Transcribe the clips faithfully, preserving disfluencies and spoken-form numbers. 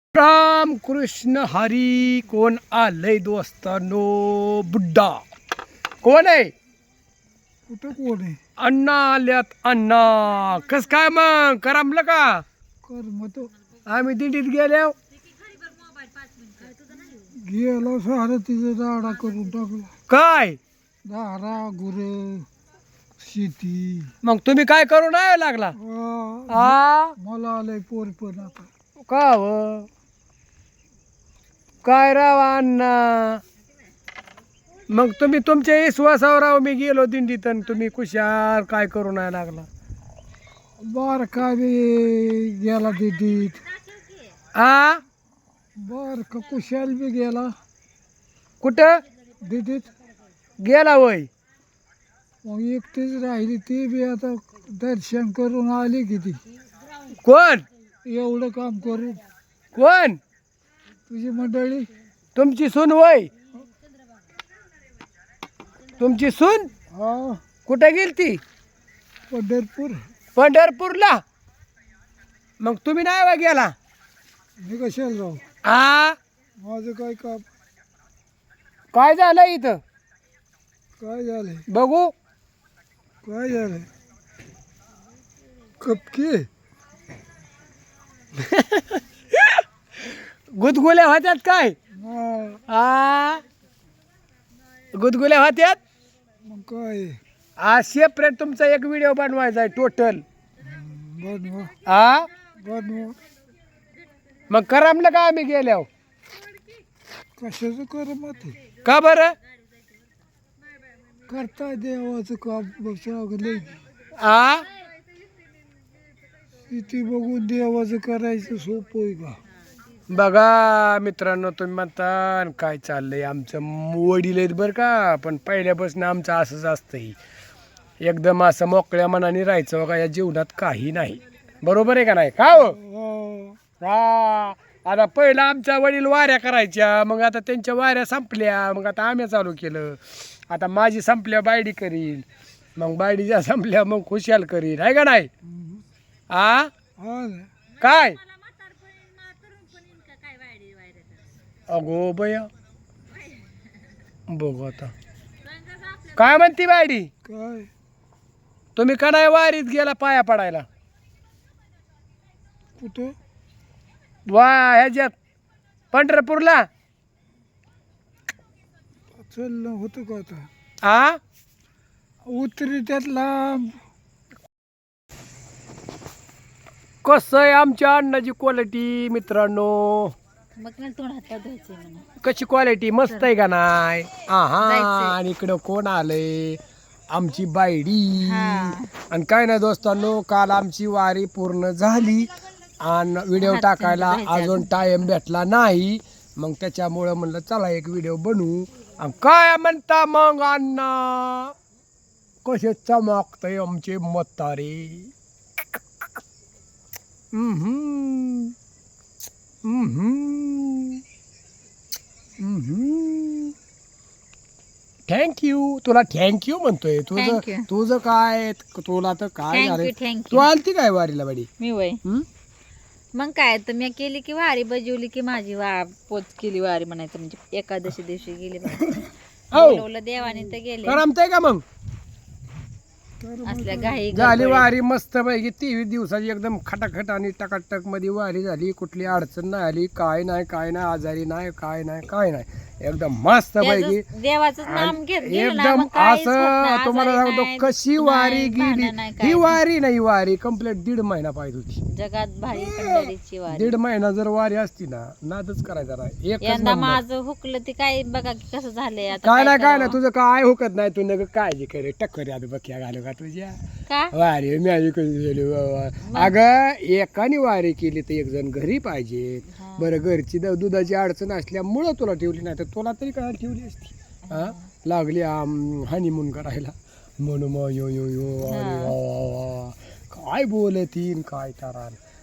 राम कृष्ण हरी. कोण आलंय दोस्तानो? बुड्डा कोण आहे? कुठं कोण आहे? अण्णा आल्यात. अण्णा कस काय मग करमलं का? कर मग आम्ही दिंडीत गेल्या गेलो सारं तिचं दाडा करून टाकला. काय दारा गुर शेती. मग तुम्ही काय करू नाही लागला? आ, आ मला आलंय पोर पण आता. का व? काय राव अण्णा, मग तुम्ही तुमच्या विश्वासावर राव मी गेलो दिंडीत आणि तुम्ही कुशाल काय करू नाही लागला? बार का बी गेला दिदीत. आ बार का कुशाल बी गेला कुठं दिदीत. गेला वय? मग एकटीच राहिली ती बी आता दर्शन करून आली किती. कोण एवढं काम करून कोण? तुझी मंडळी. तुमची सून वय? तुमची सून हा कुठे गेली ती? पंढरपूर. पंढरपूरला. मग तुम्ही नाही वा गेला? मी कशाला जाऊ? आ माझं काय काम? काय झालं इथं? काय झालंय? बघू. काय झालंय? कपके गुदगुल्या होत्यात काय? हा, आ गुदगुल्या होत्यात. मग काय आज सेपरेट तुमचा एक व्हिडिओ बनवायचा आहे टोटल. बनवा आ बनवा. मग करमलं का आम्ही गेल्यावर? कशाचं कर मग ते का बरं? करता देवाचं काम बघले. आ किती बघून देवाचं करायचं सोपं आहे का? बघा मित्रांनो, तुम्ही म्हणता "न काय चाललंय आमचं वडील आहेत बरं का, पण पहिल्यापासून आमचं असंच असतंय, एकदम असं मोकळ्या मनाने राहायचं बघा या जीवनात काही नाही." बरोबर आहे का नाही? का हो? हा, हा आता पहिलं आमच्या वडील वाऱ्या करायच्या, मग आता त्यांच्या वाऱ्या संपल्या, मग आता आम्ही चालू केलं. आता माझी संपल्या बायडी करीन, मग बायडीच्या संपल्या मग खुशाल करीन, आहे का नाही? आ हा ना. काय अगो बया, बघू आता काय म्हणती बायडी. काय तुम्ही का नाही वारीत गेला पाया पडायला? कुठं? वा ह्याच्यात पंढरपूरला. चाललं होतं का आता? आ उतरी त्यात लांब. कसं आहे आमच्या अन्नाची क्वालिटी मित्रांनो? मग मला तोंड हात धुवायचे म्हणा. कशी क्वालिटी? मस्त आहे का नाही? हा जायचंय. आणि इकडं कोण आलंय? आमची बायडी. हा. आणि काय नाही दोस्तांनो, काल आमची वारी पूर्ण झाली आणि व्हिडिओ हात टाकायला धुवायचे अजून अजून. टाइम भेटला नाही, मग त्याच्यामुळं म्हणलं चला एक व्हिडिओ बनवू. आणि काय म्हणता मग अण्णा, कसे चमकतय आमचे म्हातारे. हम्म थँक्यू. तुला थँक्यू म्हणतोय. तुझं Thank you. तुझं काय, तुला तर काय Thank झालं? you, thank Tu you. आलती काय वारीला बाडी? मी वय हम्म? मग काय तर मी केली की वारी बजवली की माझी वा पोच केली वारी म्हणायचं, म्हणजे एकादशी दिवशी गेली बाई. हो. बोलवलं देवाने तर गेले. करमतंय का मग? असल्या घाई झाली गडबडीत. वारी मस्त पैकी तेवीस दिवसाची एकदम खटाखट आणि टकाटक मध्ये वारी झाली. कुठली अडचण नाही आली, काय नाही काय नाही, आजारी नाही, काय नाही काय नाही, एकदम मस्त पैकी. त्याचं देवाचं नाम घेत गेलं ना, एकदम मग काहीच होत असं नाही, तुम्हाला आजारी सांगतो नाही, कशी दुःख वारी नाही, गेली. भांडण नाही, ही काय वारी नाही, वारी कम्प्लीट दीड महिना पाहिजे होती. नाही. जगात भारी पंढरीची वारी. दीड महिना जर वारी असती ना, नादच करायचा नाही. एकच यंदा नंबर. माझं हुकलं ते काय बघा की कसं झालंय आता. काय नाही काय नाही, करावं? तुझं काय हुकत नाही. तू नका काळजी करे, टक्कर आधी बक्या घालू का तुझ्या का वारी माझी कधी झाली बाबा. अगं एकाने वारी केली तर एक जण घरी पाहिजे. हा. बरं घरची द- दुधाची अडचण असल्यामुळं तुला ठेवली नाही तर तुला तरी काय ठेवली असती. हा लागली हनीमून करायला म्हणून मग यो यो यो अरे हा. वा वा वा. काय बोलतीन काय तारा.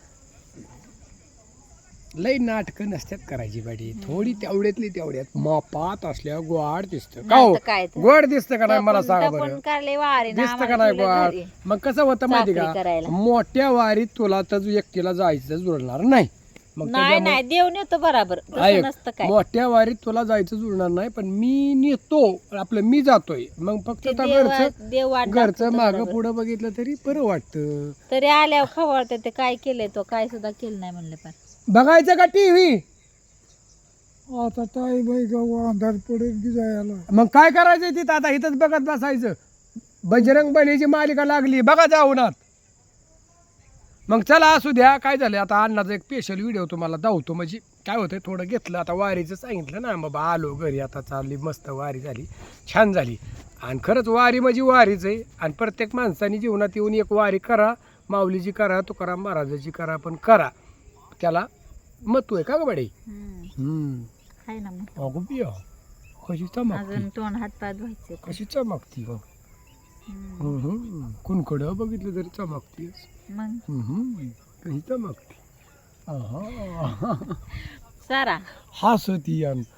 लई नाटकं नसत्यात करायची बाडी, थोडी तेवढ्यातली तेवढ्यात मापात असल्या गोड दिसतं का हो? नाही तर काय तर. गोड दिसतं का नाही मला तपन- सांगा तपन बरं? काढले वारी ना, दिसतं का आम्हाला नाही ठेवलं गोड? घरी. मग कसं होतं माहिती चाकरी का, करायला. मोठ्या वारीत तुला तर एकटीला जायचं जुळणार नाही. मग नाही त्याच्यामुळे नाही देव नेतो बराबर तसं ऐक, नसतं काय मोठ्या वारीत तुला जायचं जुळणार नाही, पण मी नेतो आपलं, मी जातोय. मग फक्त ते आता देव घरचं देव वाट घरचं दाखवतो मागं बरोबर. पुढं बघितलं तरी बरं वाटतं. तरी आल्यावर खवळते ते काय केलंय तो काय सुद्धा केलं नाही म्हणलं पण बघायचं का टीव्ही? आता ताई बाई गाव अंधार पडेल की जायला. मग काय करायचं तिथं आता इथंच बघत बसायचं. बजरंग बलीची मालिका लागली बघा जाऊनात. मग चला असू द्या, काय झालं आता अण्णाचा एक स्पेशल व्हिडिओ तुम्हाला दावतो. म्हणजे काय होतं थोडं घेतलं, आता वारीचं सांगितलं ना बाबा, आलो घरी आता चालली मस्त वारी झाली, छान झाली. आणि खरंच वारी म्हणजे वारीच आहे. आणि प्रत्येक माणसाने जीवनात येऊन एक वारी करा, माऊलीची करा, तुकाराम महाराजाची करा, पण करा, त्याला महत्व आहे का ग बडे? हम्म. हाय ना मग अगो बिया कशी चमकती, अजून तोंड हात पाय धुवायचे कशी चमकती मग. हम्म. कुणकडं बघितलं तरी चमकती, मग कशी चमकती. सारा हसती आणि